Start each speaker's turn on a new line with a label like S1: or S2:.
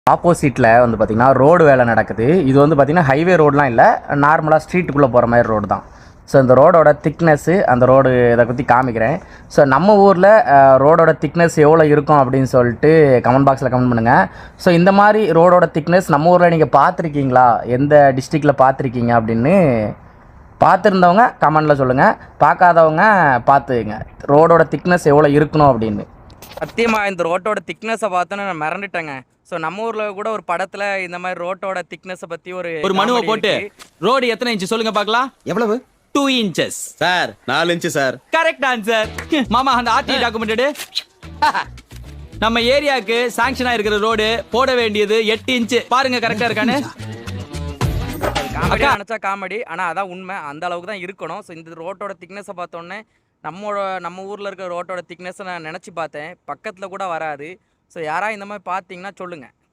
S1: ஆப்போசிட்டில் வந்து பார்த்திங்கன்னா ரோடு வேலை நடக்குது. இது வந்து பார்த்திங்கன்னா ஹைவே ரோடெலாம் இல்லை, நார்மலாக ஸ்ட்ரீட்டுக்குள்ளே போகிற மாதிரி ரோடு தான். ஸோ இந்த ரோடோட திக்னஸ்ஸு, அந்த ரோடு இதை பற்றி காமிக்கிறேன். ஸோ நம்ம ஊரில் ரோடோட திக்னஸ் எவ்வளோ இருக்கும் அப்படின்னு சொல்லிட்டு கமெண்ட் பாக்ஸில் கமெண்ட் பண்ணுங்கள். ஸோ இந்த மாதிரி ரோடோட திக்னஸ் நம்ம ஊரில் நீங்கள் பார்த்துருக்கீங்களா, எந்த டிஸ்ட்ரிக்டில் பார்த்துருக்கீங்க அப்படின்னு பார்த்துருந்தவங்க கமெண்டில் சொல்லுங்கள். பார்க்காதவங்க பார்த்துங்க ரோடோட திக்னஸ் எவ்வளோ இருக்கணும் அப்படின்னு. சத்தியமாக இந்த ரோட்டோட திக்னஸை பார்த்தோன்னு நான் மிரண்டுட்டேங்க. ஸோ நம்ம ஊரில் கூட ஒரு படத்தில் இந்த மாதிரி ரோட்டோட திக்னஸை பற்றி ஒரு
S2: மனுவை போட்டு ரோடு எத்தனை இன்ச்சு சொல்லுங்க பார்க்கலாம்.
S3: எவ்வளவு?
S2: 2 inches
S3: sir 4 inch sir.
S2: Correct answer. மாமா அந்த ஆர்டி டாக்குமெண்ட் நம்ம ஏரியாவுக்கு சாங்ஷனா இருக்கிற ரோடு போட வேண்டியது 8 இன்ச்சு. பாருங்க கரெக்டா இருக்கானு.
S1: காமெடி நினச்சா காமெடி, ஆனால் அதான் உண்மை, அந்த அளவுக்கு தான் இருக்கணும். ஸோ இந்த ரோட்டோட திக்னஸை பார்த்தோன்னே நம்ம ஊரில் இருக்கிற ரோட்டோட திக்னஸை நான் நினச்சி பார்த்தேன், பக்கத்தில் கூட வராது. ஸோ யாராவது இந்த மாதிரி பார்த்தீங்கன்னா சொல்லுங்கள்.